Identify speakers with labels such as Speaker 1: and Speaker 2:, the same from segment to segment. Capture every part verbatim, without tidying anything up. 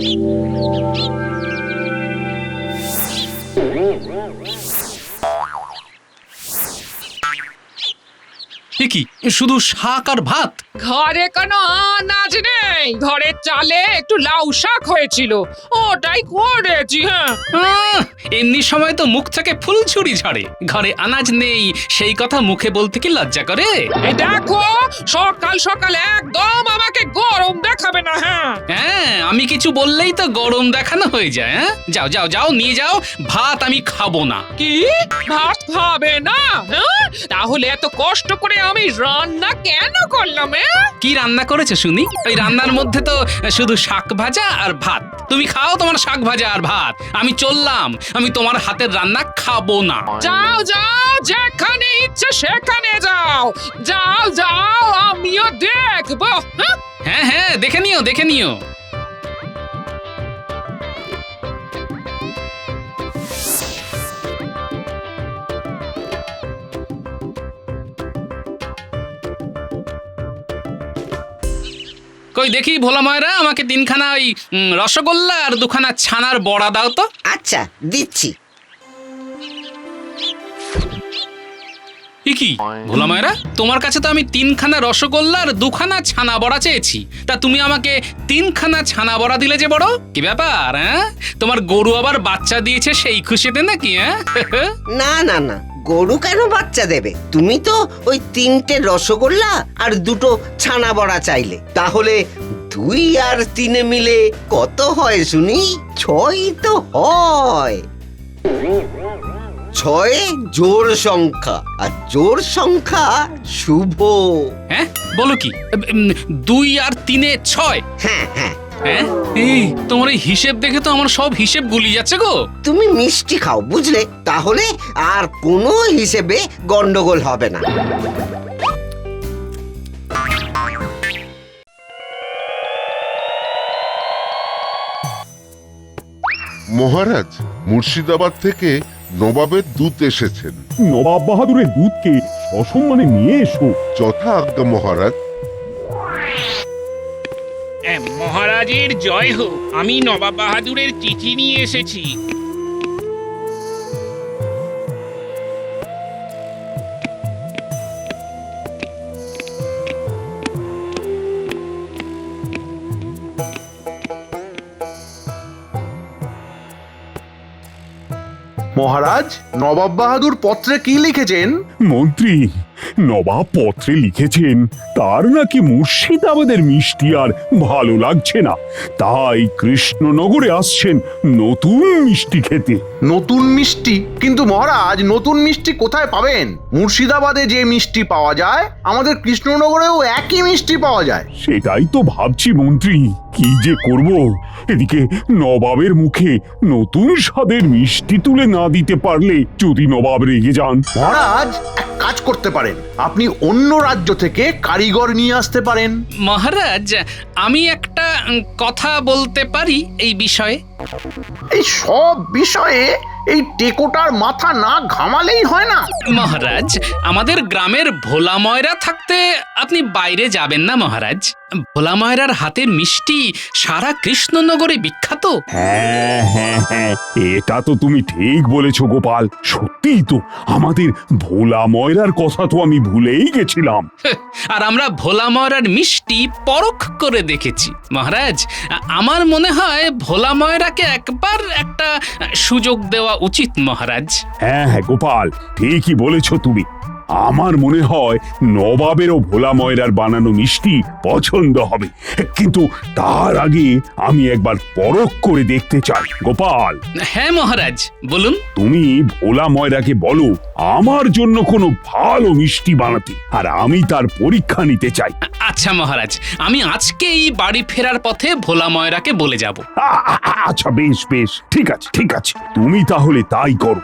Speaker 1: কি শুধু শাক আর ভাত?
Speaker 2: ঘরে কোনো আনাজ নেই, ঘরের চালে একটু লাউ শাক হয়েছিল, ওটাই করেছি। হ্যাঁ,
Speaker 1: আহ, এমনি সময় তো মুখ থেকে ফুলঝুরি ঝরে, ঘরে আনাজ নেই সেই কথা মুখে বলতে কি লজ্জা করে?
Speaker 2: এই দেখো, সকাল সকাল একদম আমাকে গরম দেখাবে না। হ্যাঁ
Speaker 1: হ্যাঁ, আমি কিছু বললেই তো গরম দেখানো হয়ে যায়। হ্যাঁ, যাও যাও যাও নিয়ে যাও, ভাত আমি খাবো না।
Speaker 2: কি ভাত খাবে না? হ্যাঁ, তাহলে এত কষ্ট করে আমি রান্না কেন করলাম?
Speaker 1: কি রান্না করেছে শুনি? ওই রান্নার মধ্যে তো শুধু শাক ভাজা আর ভাত। তুমি খাও তোমার শাক ভাজা আর ভাত, আমি চললাম, আমি তোমার হাতের রান্না খাবো না।
Speaker 2: যাও যাও, যেখানে ইচ্ছে সেখানে যাও, যাও যাও, আমিও দেখবো। হ্যাঁ
Speaker 1: হ্যাঁ হ্যাঁ, দেখে নিও দেখে নিও। কই দেখি ভোলা ময়রা, আমাকে তিনখানা ওই উম, রসগোল্লা আর দুখানা ছানার বড়া দাও তো।
Speaker 3: আচ্ছা, দিচ্ছি।
Speaker 1: কি ভোলা ময়রা, তোমার কাছে তো আমি তিনখানা রসগোল্লা আর দুখানা ছানা বড়া চেয়েছি, তা তুমি আমাকে তিনখানা ছানা বড়া দিলে যে বড়, কি ব্যাপার? হ্যাঁ, তোমার গরু আবার বাচ্চা দিয়েছে সেই খুশিতে নাকি? হ্যাঁ
Speaker 3: না না না, গরু কেন বাচ্চা দেবে? তুমি তো ওই তিনটে রসগোল্লা আর দুটো ছানা বড়া চাইলে, তাহলে দুই আর তিনে মিলে কত হয় শুনি? ছয় তো হয়। ছয় জোড় সংখ্যা, আর জোড় সংখ্যা শুভ।
Speaker 1: হ্যাঁ, বলো কি? উম, দুই আর তিনে ছয়?
Speaker 3: হ্যাঁ হ্যাঁ।
Speaker 1: হ্যাঁ, এই তোমার এই হিসেব দেখে তো আমার সব হিসেব গুলি যাচ্ছে গো।
Speaker 3: তুমি মিষ্টি খাও, বুঝলে? তাহলে আর কোনো হিসেবে গন্ডগোল হবে না।
Speaker 4: মহারাজ, মুর্শিদাবাদ থেকে নবাবের দূত এসেছেন।
Speaker 5: নবাব বাহাদুরের দুধকে সসম্মানে নিয়ে এসো।
Speaker 4: যথা আজ্ঞা মহারাজ।
Speaker 6: মহারাজের জয় হোক, আমি নবাব বাহাদুরের চিঠি নিয়ে এসেছি।
Speaker 7: মহারাজ, নবাব বাহাদুর পত্রে কি লিখেছেন?
Speaker 5: মন্ত্রী, নবাব পত্রে লিখেছেন তার নাকি মুর্শিদাবাদের মিষ্টি আর ভালো লাগছে না, তাই কৃষ্ণনগরে আসছেন নতুন মিষ্টি খেতে।
Speaker 7: নতুন মিষ্টি? কিন্তু মহারাজ, নতুন মিষ্টি কোথায় পাবেন? মুর্শিদাবাদে যে মিষ্টি পাওয়া যায়, আমাদের কৃষ্ণনগরেও একই মিষ্টি পাওয়া যায়।
Speaker 5: সেটাই তো ভাবছি মন্ত্রী, কি যে করব। এদিকে নবাবের মুখে নতুন স্বাদের মিষ্টি তুলে না দিতে পারলে যদি নবাব রেগে যান।
Speaker 7: মহারাজ, এক কাজ করতে পারেন, আপনি অন্য রাজ্য থেকে কারিগর নিয়ে আসতে পারেন।
Speaker 1: মহারাজ, আমি একটা উম, কথা বলতে পারি এই বিষয়ে?
Speaker 7: এই সব বিষয়ে এই টেকোটার মাথা না ঘামালেই হয় না।
Speaker 1: মহারাজ, আমাদের গ্রামের ভোলা ময়রা থাকতে আপনি বাইরে যাবেন না মহারাজ। ভোলা ময়রার হাতের মিষ্টি সারা কৃষ্ণনগরে বিখ্যাত।
Speaker 5: হ্যাঁ হ্যাঁ হ্যাঁ, এটা তো তুমি ঠিক বলেছো গোপাল, সত্যিই তো, আমাদের ভোলা ময়রার কথা তো আমি ভুলেই গেছিলাম।
Speaker 1: আর আমরা ভোলা ময়রার মিষ্টি পরখ করে দেখেছি মহারাজ। আমার মনে হয় ভোলা ময়রাকে একবার একটা সুযোগ দেওয়া উচিত মহারাজ।
Speaker 5: হ্যাঁ হ্যাঁ গোপাল, ঠিকই বলেছো তুমি। আমার মনে হয় নবাবেরও ভোলা ময়রার বানানো মিষ্টি পছন্দ হবে, কিন্তু তার আগে আমি একবার পরখ করে দেখতে চাই। গোপাল।
Speaker 1: হ্যাঁ মহারাজ, বলুন।
Speaker 5: তুমি ভোলা ময়রাকে বলো আমার জন্য কোনো ভালো মিষ্টি বানাতে, আর আমি তার পরীক্ষা নিতে চাই।
Speaker 1: আচ্ছা মহারাজ, আমি আজকেই বাড়ি ফেরার পথে ভোলা ময়রাকে বলে যাব।
Speaker 5: আ- আ- আচ্ছা বেশ বেশ, ঠিক আছে ঠিক আছে, তুমি তাহলে তাই করো।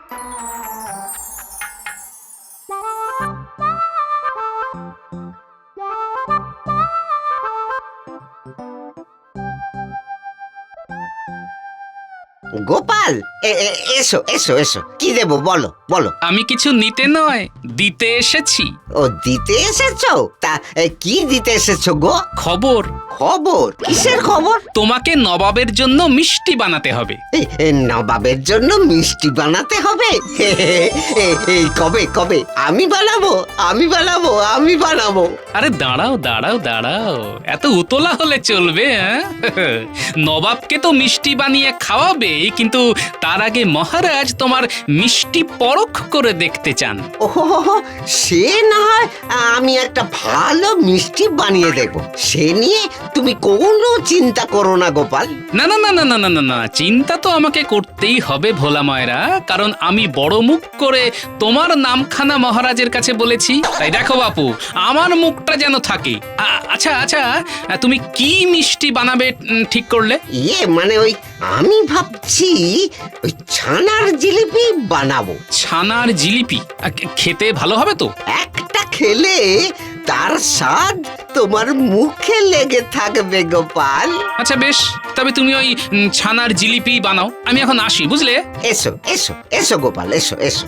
Speaker 3: গোপাল, এ- এ- এসো এসো এসো, কি দেবো বলো বলো।
Speaker 1: আমি কিছু নিতে নয়, দিতে এসেছি।
Speaker 3: ও, দিতে এসেছো? তা তা এ, কি দিতে এসেছো গো?
Speaker 1: খবর,
Speaker 3: খবর? কিসের খবর?
Speaker 1: তোমাকে নবাবের জন্য মিষ্টি বানাতে হবে।
Speaker 3: এ, এ, নবাবের জন্য মিষ্টি বানাতে হবে? হে, হে, হে, এ, এই কবে কবে? আমি বানাবো, আমি বানাবো, আমি বানাবো।
Speaker 1: আরে দাঁড়াও দাঁড়াও দাঁড়াও, এত উতলা হলে চলবে? হ্যাঁ? নবাবকে তো মিষ্টি বানিয়ে খাওয়াবে, কিন্তু তার আগে মহারাজ তোমার মিষ্টি পরখ করে দেখতে চান।
Speaker 3: ওহো, সে না হয় আমি একটা ভালো মিষ্টি বানিয়ে দেব, সে নিয়ে তুমি কোনো চিন্তা করো না গোপাল।
Speaker 1: না না না না না না না না চিন্তা তো আমাকে করতেই হবে ভোলা ময়রা, কারণ আমি বড় মুখ করে তোমার নামখানা মহারাজের কাছে বলেছি। তাই দেখো বাপু, আমার মুখটা যেন থাকে। আ- আচ্ছা আচ্ছা, তুমি কি মিষ্টি বানাবে উম, ঠিক করলে?
Speaker 3: ইয়ে মানে ওই আমি ভাবছি ওই ছানার জিলিপি বানাবো।
Speaker 1: ছানার জিলিপি আ, খেতে ভালো হবে তো?
Speaker 3: একটা খেলে তার স্বাদ তোমার মুখে লেগে থাকবে গোপাল।
Speaker 1: আচ্ছা বেশ, তবে তুমি ওই উম, ছানার জিলিপি বানাও, আমি এখন আসি, বুঝলে?
Speaker 3: এসো এসো এসো গোপাল, এসো এসো।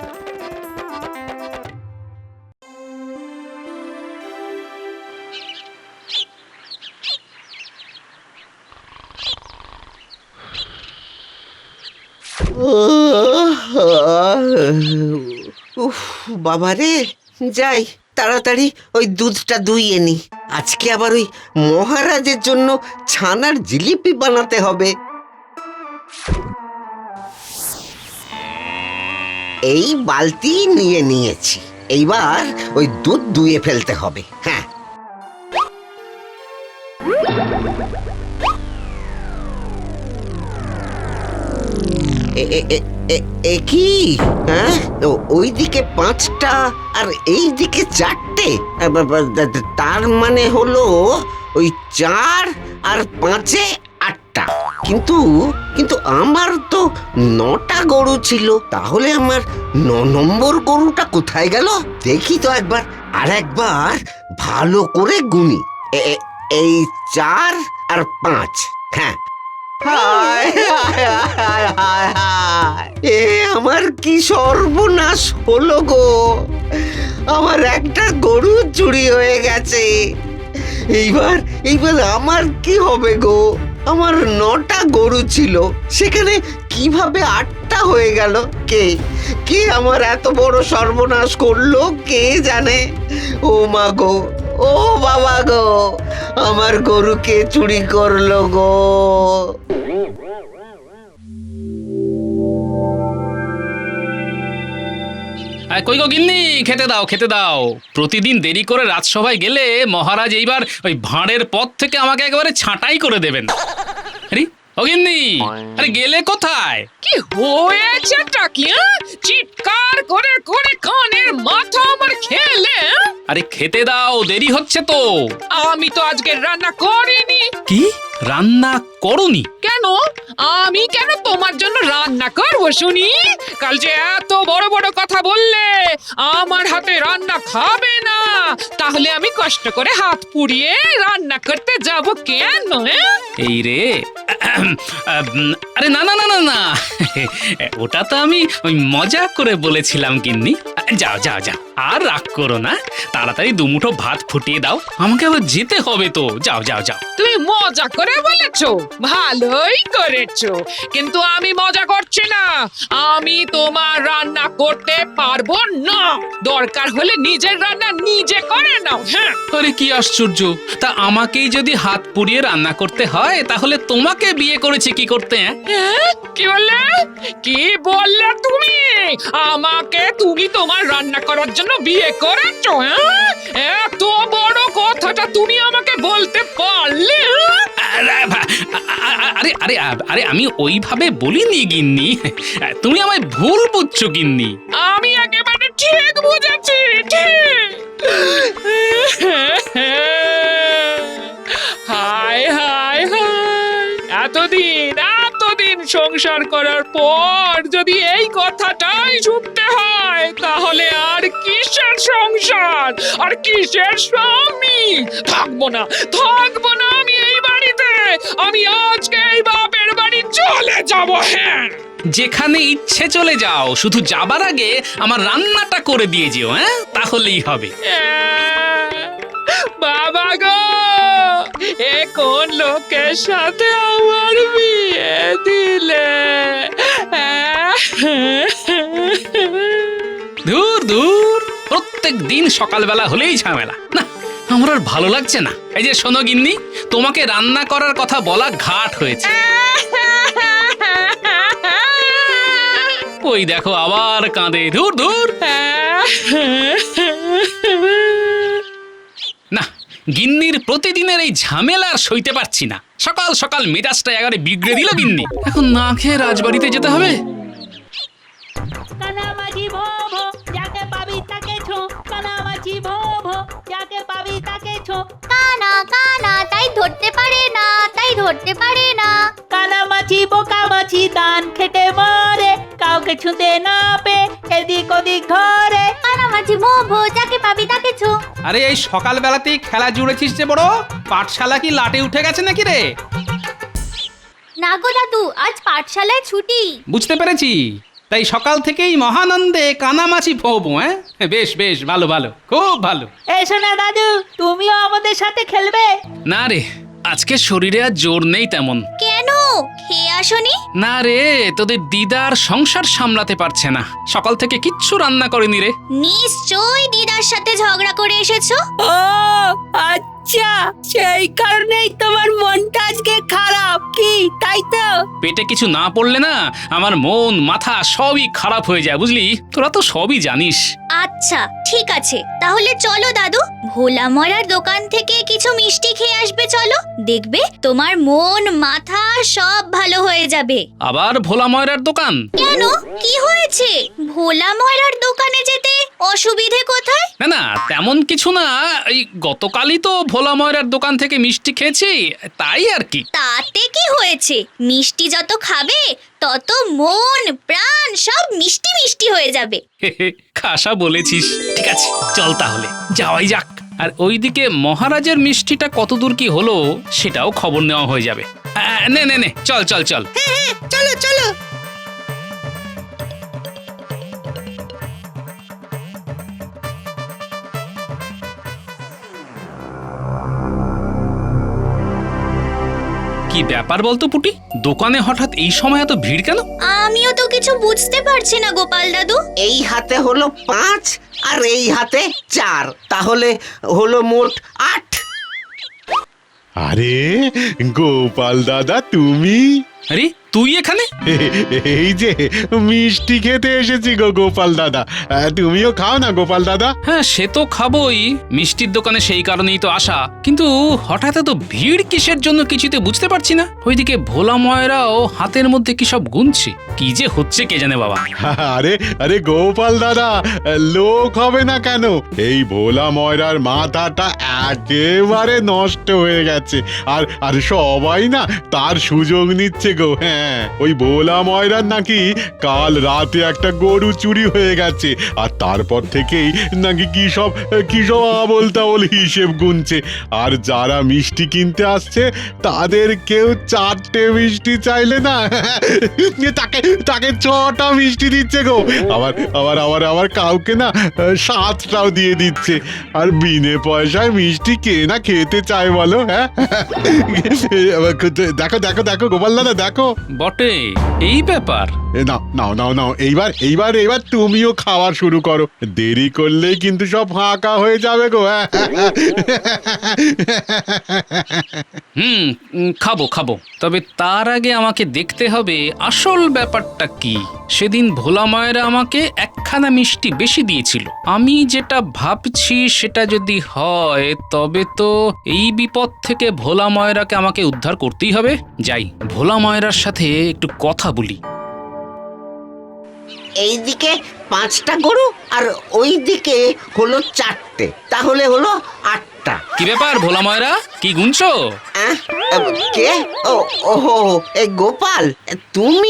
Speaker 3: উফ বাবারে, যাই তাড়াতাড়ি ওই দুধটা দুইয়ে নি। আজকে আবার ওই মহারাজের জন্য ছানার জিলিপি বানাতে হবে। এই বালতি নিয়ে নিয়েছি, এইবার ওই দুধ দুইয়ে ফেলতে হবে। হ্যাঁ, এ- এ- এ- এ- এ কি? হ্যাঁ, ও- ওইদিকে পাঁচটা আর এই দিকে চারটে, আ, বা- বা- দা- দা- তার মানে হলো ওই চার আর পাঁচে আটটা। কিন্তু কিন্তু আমার তো নটা গরু ছিল, তাহলে আমার ন নম্বর গরুটা কোথায় গেল? দেখি তো একবার, আর একবার ভালো করে গুনি। এ- এ- এই চার আর পাঁচ, হ্যাঁ। হায় হায় হায় হায় হায়, এ আমার কি সর্বনাশ হলো গো! আমার একটা গরু চুরি হয়ে গেছে। এইবার এইবার আমার কি হবে গো? আমার নটা গরু ছিল, সেখানে কিভাবে আটটা হয়ে গেল? কে কে আমার এত বড় সর্বনাশ করলো কে জানে? ও মা গো, ও বাবা গো, আমার গরুকে চুরি করলো গো!
Speaker 1: আয়, কই গো গিন্নি, খেতে দাও খেতে দাও। প্রতিদিন দেরি করে রাজসভায় গেলে মহারাজ এইবার ওই ভাঁড়ের পথ থেকে আমাকে একেবারে ছাঁটাই করে দেবেন। আরে ও গিন্নি, আরে গেলে কোথায়?
Speaker 2: কি হয়েছেটা কি? হ্যাঁ? চিৎকার করে করে কানের মাথা আমার খেলে? হ্যাঁ?
Speaker 1: আরে খেতে দাও, দেরি হচ্ছে তো।
Speaker 2: আমি তো আজকে রান্না করিনি।
Speaker 1: কি রান্না করনি?
Speaker 2: কেন? আমি কেন তোমার জন্য রান্না করব শুনি? কাল যে এত বড় বড় কথা বললে আমার হাতে রান্না খাবে না, তাহলে আমি কষ্ট করে হাত পুড়িয়ে রান্না করতে যাব কেন? হ্যাঁ?
Speaker 1: এই রে, আরে না না না না না, ওটা তো আমি ওই মজা করে বলেছিলাম গিন্নি। যাও যাও যাও, আর রাগ করো না, তাড়াতাড়ি দুমুঠো ভাত ফুটিয়ে দাও, আমাকে আবার যেতে হবে তো। যাও যাও যাও।
Speaker 2: তুমি মজা করে বলেছো, ভালোই করেছো, কিন্তু আমি মজা করছি না। আমি তোমার রান্না করতে পারবো না। দরকার হলে নিজের রান্না নিজে করে নাও। হ্যাঁ,
Speaker 1: আরে কি আশ্চর্য, তা আমাকেই যদি হাত পুড়িয়ে রান্না করতে হয়, তাহলে তোমাকে বিয়ে করেছে কি করতে? হ্যাঁ
Speaker 2: হ্যাঁ? কি বললে? কি বললে তুমি? আমাকে তুমি তোমার রান্না করার জন্য বিয়ে করেছো? হ্যাঁ, এত বড় কথাটা তুমি আমাকে বলতে পারলে? হ্যাঁ?
Speaker 1: আরে ভা- আ- আ- আরে আরে আরে আমি ওইভাবে বলিনি গিন্নি, তুমি আমায় ভুল বুঝছো গিন্নি।
Speaker 2: আমি একেবারে ঠিক বুঝেছি, ঠিক। হায় হায় হায়, এতদিন এতদিন সংসার করার পর যদি এই কথাটাই শুনতে হয়, তাহলে আর কিসের সংসার, আর কিসের স্বামী? থাকবো না, থাকবো না আমি এই বাড়িতে। আমি আজকে এই বাপের বাড়ি চলে যাব। হ্যাঁ,
Speaker 1: যেখানে ইচ্ছে চলে যাও, শুধু যাবার আগে আমার রান্নাটা করে দিয়ে যেও। হ্যাঁ, তাহলেই হবে।
Speaker 2: আহ, বাবা গো, এ কোন লোকের সাথে আমার বিয়ে দিলে?
Speaker 1: দূর দূর, প্রত্যেক দিন সকালবেলা হলেই ঝামেলা। না, আমার আর ভালো লাগছে না। এই যে শোনো গিন্নি, তোমাকে রান্না করার কথা বলা ঘাট হয়েছে। ওই দেখো আবার কাঁদে। ধুর ধুর। না, গিন্নির প্রতিদিনের এই ঝামেলা আর সইতে পারছি না। সকাল সকাল মেজাজটা একেবারে বিগড়ে দিল গিন্নি। এখন না খেয়ে রাজবাড়িতে যেতে হবে।
Speaker 8: কানামাছি ভো ভো, যাকে পাবি তাকে ছো। কানামাছি ভো ভো, যাকে পাবি তাকে ছো।
Speaker 9: কানা কানা তাই ধরতে পারে না, তাই ধরতে পারে না।
Speaker 8: কানামাছি বোকা মাছি দান খেটে মরে, কাউকে ছুঁতে না পে এদিক ওদিক ধরে।
Speaker 9: কানামাছি ভো ভো, যাকে পাবি তাকে ছো।
Speaker 1: আরে এই সকালবেলাতেই খেলা জুড়েছিস যে বড়, পাঠশালা কি লাটে উঠে গেছে নাকি রে?
Speaker 9: না গো দাদু, আজ পাঠশালায় ছুটি।
Speaker 1: বুঝতে পেরেছি, তাই সকাল থেকেই মহানন্দে কানামাছি ফোবো। হ্যাঁ, বেশ বেশ, ভালো ভালো, খুব ভালো।
Speaker 8: এসো না দাদু, তুমিও আমাদের সাথে খেলবে।
Speaker 1: না রে, আজকে শরীরে আর জোর নেই তেমন।
Speaker 9: কেন, খেয়ে আসনি?
Speaker 1: না রে, তোদের দিদার সংসার সামলাতে পারছে না, সকাল থেকে কিচ্ছু রান্না করেনি রে।
Speaker 9: নিশ্চয়ই দিদার সাথে ঝগড়া করে এসেছো।
Speaker 8: ও আচ্ছা, সেই কারণেই তোমার মনটা আজকে খারাপ, কি তাই তো?
Speaker 1: পেটে কিছু না পড়লে না আমার মন মাথা সবই খারাপ হয়ে যায়, বুঝলি? তোরা তো সবই জানিস।
Speaker 9: আচ্ছা ঠিক আছে, তাহলে চলো দাদু, ভোলা মরার দোকান থেকে কিছু মিষ্টি খেয়ে আসবে। চলো, দেখবে তোমার মন মাথা সব ভালো হয়ে যাবে।
Speaker 1: আবার ভোলা ময়রার দোকান?
Speaker 9: কেন, কি হয়েছে? ভোলা মরার দোকানে যেতে অসুবিধে কোথায়?
Speaker 1: না না, তেমন কিছু না, এই গতকালই তো ভোলা ময়রার দোকান থেকে মিষ্টি খেয়েছি, তাই আর কি।
Speaker 9: তাতে কি হয়েছে? মিষ্টি যত খাবে তত মন প্রাণ সব মিষ্টি মিষ্টি হয়ে যাবে।
Speaker 1: খাসা বলেছিস। ঠিক আছে, চল তাহলে যাওয়াই যাক। আর ওইদিকে মহারাজের মিষ্টিটা কতদূর কি হলো সেটাও খবর নেওয়া হয়ে যাবে। আহ, নে নে নে, চল চল চল।
Speaker 8: চলো চলো।
Speaker 1: কি ব্যাপার বলতো পুটি, দোকানে হঠাৎ এই সময় এত ভিড় কেন?
Speaker 9: আমিও তো কিছু বুঝতে পারছি না গোপাল দাদু।
Speaker 3: এই হাতে হলো পাঁচ আর এই হাতে চার, তাহলে হলো মোট আট।
Speaker 10: আরে গোপাল দাদা, তুমি?
Speaker 1: আরে তুই এখানে?
Speaker 10: এই যে মিষ্টি খেতে এসেছি গো গোপাল দাদা, আহ, তুমিও খাও না গোপাল দাদা।
Speaker 1: হ্যাঁ, সে তো খাবোই, মিষ্টির দোকানে সেই কারণেই তো আসা। কিন্তু হঠাৎ এত ভিড় কিসের জন্য কিছুতে বুঝতে পারছি না। ওইদিকে ভোলা ময়রাও হাতের মধ্যে কি সব গুনছে, কি যে হচ্ছে কে জানে বাবা।
Speaker 10: আরে আরে গোপাল দাদা, লোক হবে না কেন? এই ভোলা ময়রার মাথাটা একেবারে নষ্ট হয়ে গেছে, আর আর সবাই না তার সুযোগ নিচ্ছে গো। হ্যাঁ, ওই ভোলা ময়রার নাকি কাল রাতে একটা গরু চুরি হয়ে গেছে, আর তারপর থেকেই নাকি কি সব কি সব আবোল তাবোল হিসেব গুনছে। আর যারা মিষ্টি কিনতে আসছে তাদের কেউ চারটে মিষ্টি চাইলে না তাকে তাকে ছটা মিষ্টি দিচ্ছে গো। আবার আবার আবার আবার কাউকে না সাতটাও দিয়ে দিচ্ছে। আর বিনে পয়সায় মিষ্টি কে না খেতে চায় বলো? হ্যাঁ, দেখো দেখো দেখো গোপাল দাদা, দেখো।
Speaker 1: বটে, এই ব্যাপার।
Speaker 10: এ নাও নাও নাও নাও, এইবার এইবার এইবার তুমিও খাওয়া শুরু করো, দেরি করলেই কিন্তু সব ফাঁকা হয়ে যাবে গো।
Speaker 1: হুম, উম, খাবো খাবো, তবে তার আগে আমাকে দেখতে হবে আসল ব্যাপারটা কি। সেদিন ভোলা ময়রা আমাকে একখানা মিষ্টি বেশি দিয়েছিল। আমি যেটা ভাবছি সেটা যদি হয় তবে তো এই বিপদ থেকে ভোলা ময়রাকে আমাকে উদ্ধার করতেই হবে। যাই, ভোলা ময়রার সাথে একটু কথা বলি।
Speaker 3: এইদিকে পাঁচটা গরু আর ওইদিকে হলো চারটে, তাহলে হলো আটটা।
Speaker 1: কি ব্যাপার ভোলা ময়রা, কি গুনছো?
Speaker 3: আহ, কে? ও ওহো, এই গোপাল তুমি?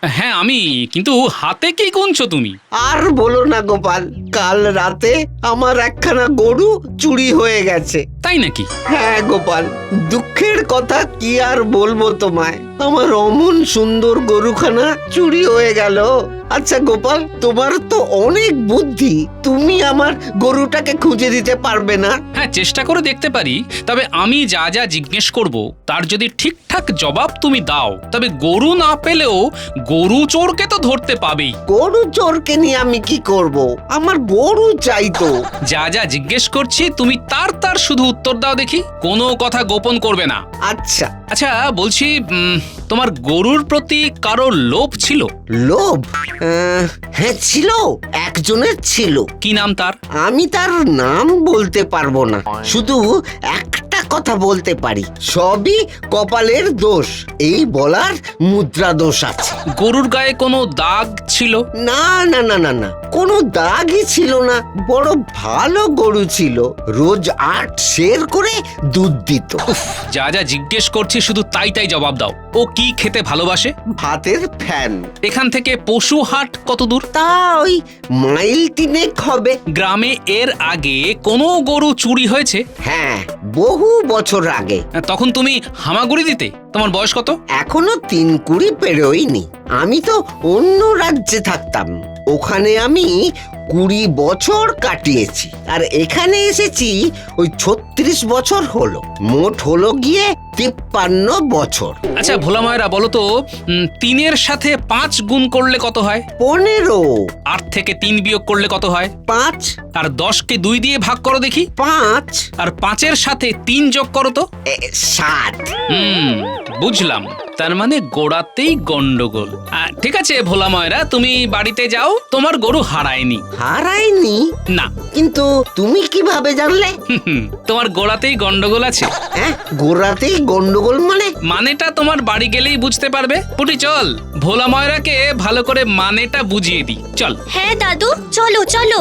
Speaker 1: হ্যাঁ আমি, কিন্তু হাতে কি গুনছো তুমি?
Speaker 3: আর বলো না গোপাল, কাল রাতে আমার একখানা গরু চুরি হয়ে গেছে।
Speaker 1: তাই নাকি?
Speaker 3: হ্যাঁ গোপাল, দুঃখের কথা কি আর বলবো তোমায়, আমার অমন সুন্দর গরুখানা চুরি হয়ে গেল। আচ্ছা গোপাল, তোমার তো অনেক বুদ্ধি, তুমি আমার গরুটাকে খুঁজে দিতে পারবে না?
Speaker 1: হ্যাঁ, চেষ্টা করে দেখতে পারি। তবে আমি যা যা জিজ্ঞেস করব তার যদি ঠিকঠাক জবাব তুমি দাও, তবে গরু না পেলেও গরু চোরকে তো ধরতে পাবেই।
Speaker 3: গরু চোরকে নিয়ে আমি কি করব? আমার গরু চাই তো।
Speaker 1: যা যা জিজ্ঞেস করছি তুমি তার তার শুধু উত্তর দাও দেখি, কোনো কথা গোপন করবে না।
Speaker 3: আচ্ছা।
Speaker 1: আচ্ছা বলছি, উম, তোমার গরুর প্রতি কারো লোভ ছিল?
Speaker 3: লোভ? আহ, হ্যাঁ ছিল, একজনের ছিল।
Speaker 1: কি নাম তার?
Speaker 3: আমি তার নাম বলতে পারবো না, শুধু একটা কথা বলতে পারি, সবই কপালের দোষ, এই বলার মুদ্রা দোষ আছে।
Speaker 1: গরুর গায়ে কোনো দাগ ছিল?
Speaker 3: না না না না না, কোনো দাগই ছিল না, বড় ভালো গরু ছিল, রোজ আট সের করে দুধ দিত।
Speaker 1: যা যা জিজ্ঞেস করছি শুধু তাই তাই জবাব দাও। ও কি খেতে ভালোবাসে?
Speaker 3: ভাতের ফ্যান।
Speaker 1: এখান থেকে পশু হাট কত দূর?
Speaker 3: তা ওই মাইল তিনেক হবে।
Speaker 1: গ্রামে এর আগে কোনো গরু চুরি হয়েছে?
Speaker 3: হ্যাঁ, বহু বছর আগে।
Speaker 1: তখন তুমি হামাগুড়ি দিতে? তোমার বয়স কত?
Speaker 3: এখনো তিন কুড়ি পেরোয়নি। আমি তো অন্য রাজ্যে থাকতাম, ওখানে আমি কুড়ি বছর কাটিয়েছি, আর এখানে এসেছি ওই ছত্রিশ বছর হলো, মোট হলো গিয়ে তিপ্পান্ন বছর।
Speaker 1: আচ্ছা ভোলা ময়রা, বলো তো, উম, তিনের সাথে পাঁচ গুণ করলে কত হয়?
Speaker 3: পনেরো।
Speaker 1: আট থেকে তিন বিয়োগ করলে কত হয়?
Speaker 3: পাঁচ।
Speaker 1: আর দশকে দুই দিয়ে ভাগ করো দেখি।
Speaker 3: পাঁচ।
Speaker 1: আর পাঁচের সাথে তিন যোগ করো তো।
Speaker 3: এ, সাত।
Speaker 1: হুম, বুঝলাম, তার মানে গোড়াতেই গন্ডগোল। আহ, ঠিক আছে ভোলা ময়রা, তুমি বাড়িতে যাও, তোমার গরু হারায়নি।
Speaker 3: হারায়নি?
Speaker 1: না।
Speaker 3: কিন্তু তুমি কিভাবে জানলে?
Speaker 1: হুম, তোমার গোড়াতেই গন্ডগোল আছে।
Speaker 3: হ্যাঁ, গোড়াতেই গন্ডগোল মানে?
Speaker 1: মানেটা তোমার বাড়ি গেলেই বুঝতে পারবে। পুটি চল, ভোলা ময়রাকে ভালো করে মানেটা বুঝিয়ে দিই, চল।
Speaker 9: হ্যাঁ দাদু, চলো চলো।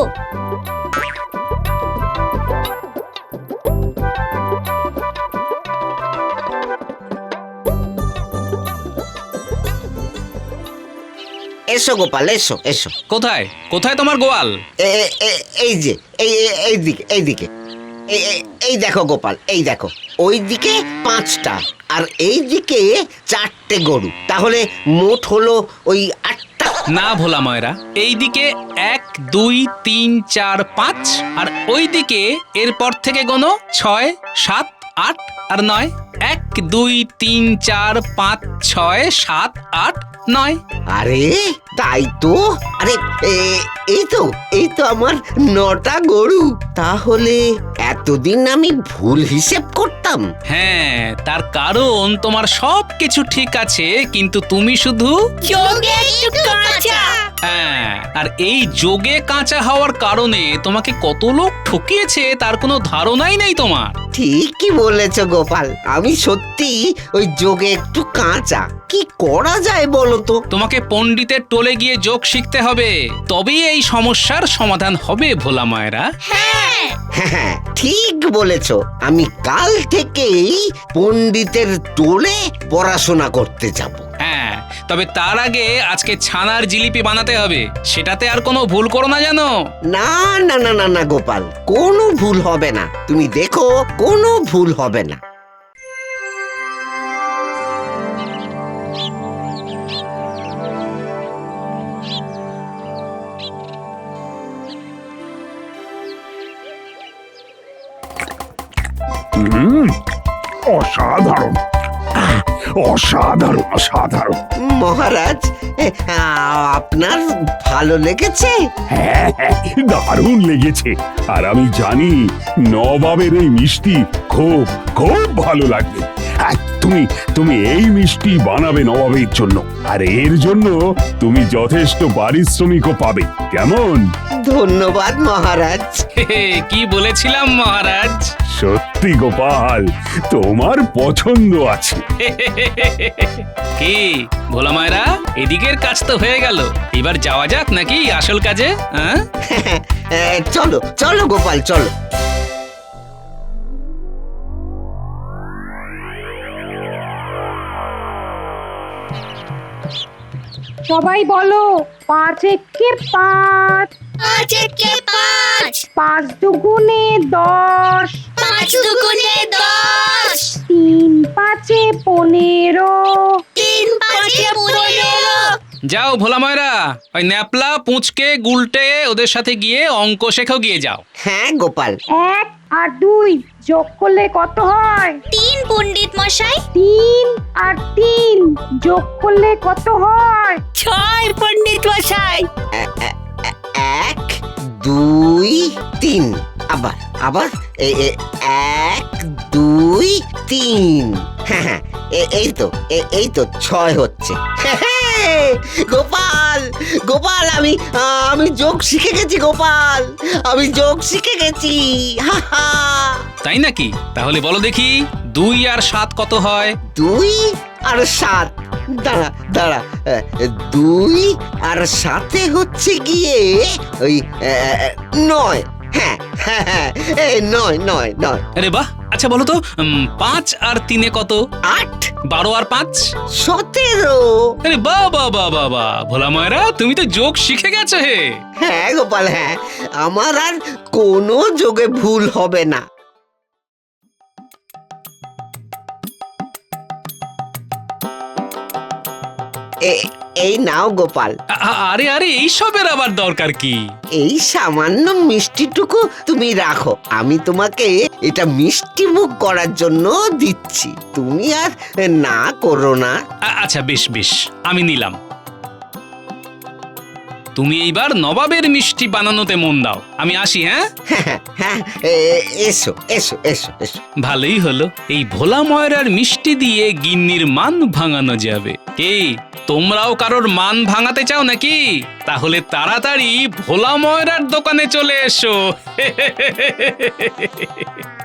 Speaker 3: এসো গোপাল, এসো এসো।
Speaker 1: কোথায় কোথায় তোমার গোয়াল?
Speaker 3: এ- এ- এ- এই যে এই এই- এই দিকে এই দিকে এই- এই- এই দেখো গোপাল, এই দেখো, ওই দিকে পাঁচটা আর এই দিকে চারটে গরু, তাহলে মোট হলো ওই আটটা।
Speaker 1: না ভোলা ময়রা, এইদিকে এক দুই তিন চার পাঁচ, আর ওইদিকে এরপর থেকে গোনো ছয় সাত আট আর নয়। এক দুই তিন চার পাঁচ ছয় সাত আট নয়।
Speaker 3: আরে তাই তো, আরে এ- এই তো এই তো আমার নটা গরু। তাহলে এতদিন আমি ভুল হিসেব করতাম।
Speaker 1: হ্যাঁ, তার কারণ তোমার সব কিছু ঠিক আছে, কিন্তু তুমি শুধু
Speaker 9: যোগে একটু কাঁচা।
Speaker 1: হ্যাঁ, আর এই যোগে কাঁচা হওয়ার কারণে তোমাকে কত লোক ঠকিয়েছে তার কোনো ধারণাই নেই তোমার।
Speaker 3: ঠিকই বলেছ গোপাল, আমি সত্যি ওই যোগে একটু কাঁচা। কি করা যায় বলো তো?
Speaker 1: তোমাকে পণ্ডিতের টোলে গিয়ে যোগ শিখতে হবে, তবেই এই সমস্যার সমাধান হবে ভোলা ময়রা।
Speaker 9: হ্যাঁ
Speaker 3: হ্যাঁ, ঠিক বলেছ, আমি কাল থেকেই পণ্ডিতের টোলে পড়াশোনা করতে যাব।
Speaker 1: হ্যাঁ, তবে তার আগে আজকে ছানার জিলিপি বানাতে হবে, সেটাতে আর কোনো ভুল করো না জানো।
Speaker 3: না না না না না গোপাল, কোনো ভুল হবে না, তুমি দেখো কোনো ভুল হবে না।
Speaker 5: হুম, অসাধারণ, আহ, অসাধারণ অসাধারণ।
Speaker 3: মহারাজ, এ, আ- আপনার ভালো লেগেছে?
Speaker 5: হ্যাঁ হ্যাঁ, দারুণ লেগেছে। আর আমি জানি নবাবের এই মিষ্টি খুব খুব ভালো লাগবে। আহ, তুমি তুমি এই মিষ্টি বানাবে নবাবের জন্য, আর এর জন্য তুমি যথেষ্ট পারিশ্রমিকও পাবে, কেমন?
Speaker 3: ধন্যবাদ মহারাজ।
Speaker 1: হে হে, কি বলেছিলাম মহারাজ।
Speaker 5: সত্যি গোপাল, তোমার পছন্দ আছে।
Speaker 1: কি ভোলা ময়রা, এদিকের কাজ তো হয়ে গেল, এবার যাওয়া যাক নাকি আসল কাজে? হ্যাঁ,
Speaker 3: এ, চলো চলো গোপাল, চলো।
Speaker 11: সবাই বলো পাঁচ একে পাঁচ,
Speaker 9: পাঁচ একে পাঁচ,
Speaker 11: পাঁচ দুগুণে দশ,
Speaker 9: পাঁচ দুগুণে দশ,
Speaker 11: তিন পাঁচে পনেরো,
Speaker 9: তিন পাঁচে পনেরো।
Speaker 1: যাও ভোলা ময়রা, ওই ন্যাপলা পুঁচকে গুলটে ওদের সাথে গিয়ে অঙ্ক শেখো গিয়ে যাও।
Speaker 3: হ্যাঁ গোপাল।
Speaker 11: এক আর দুই যোগ করলে কত হয়?
Speaker 9: তিন পণ্ডিত মশাই।
Speaker 11: তিন আর তিন যোগ করলে কত হয়?
Speaker 8: ছয় পণ্ডিত মশাই।
Speaker 3: এ- এ- এ- এক দুই তিন, আবার আবার এ- এ- এক দুই তিন, হ্যাঁ হ্যাঁ এ- এই তো এ- এই তো ছয় হচ্ছে। গোপাল গোপাল আমি আমি যোগ শিখে গেছি গোপাল, আমি যোগ শিখে গেছি। হা হা।
Speaker 1: তাই নাকি? তাহলে বলো দেখি দুই আর সাত কত হয়?
Speaker 3: দুই আর সাত, দাঁড়া দাঁড়া, এ, দুই আর সাথে হচ্ছে গিয়ে ওই এ, নয়। হ্যাঁ হ্যাঁ হ্যাঁ এই নয় নয় নয়।
Speaker 1: আরে বাহ, আচ্ছা বলো তো উম, পাঁচ আর তিনে কত?
Speaker 3: আট।
Speaker 1: বারো আর পাঁচ?
Speaker 3: সতেরো।
Speaker 1: আরে বাহ বাহ বাহ বাহ বাহ, ভোলা ময়রা তুমি তো যোগ শিখে গেছো হে।
Speaker 3: হ্যাঁ গোপাল, হ্যাঁ আমার আর কোনো যোগে ভুল হবে না। এ- এই নাও গোপাল,
Speaker 1: আ- আ- আরে আরে এইসবের আবার দরকার কি?
Speaker 3: এই সামান্য মিষ্টিটুকু তুমি রাখো, আমি তোমাকে এটা মিষ্টি মুখ করার জন্য দিচ্ছি, তুমি আর না করো না।
Speaker 1: আ- আচ্ছা বেশ বেশ, আমি নিলাম। তুমি এইবার নবাবের মিষ্টি বানানোতে মন দাও, আমি আসি। হ্যাঁ
Speaker 3: হ্যাঁ হ্যাঁ এ- এসো এসো এসো এসো।
Speaker 1: ভালোই হলো, এই ভোলা ময়রার মিষ্টি দিয়ে গিন্নির মান ভাঙানো যাবে। কি তোমরাও কারোর মান ভাঙাতে চাও নাকি? তাহলে তাড়াতাড়ি ভোলা ময়রার দোকানে চলে এসো।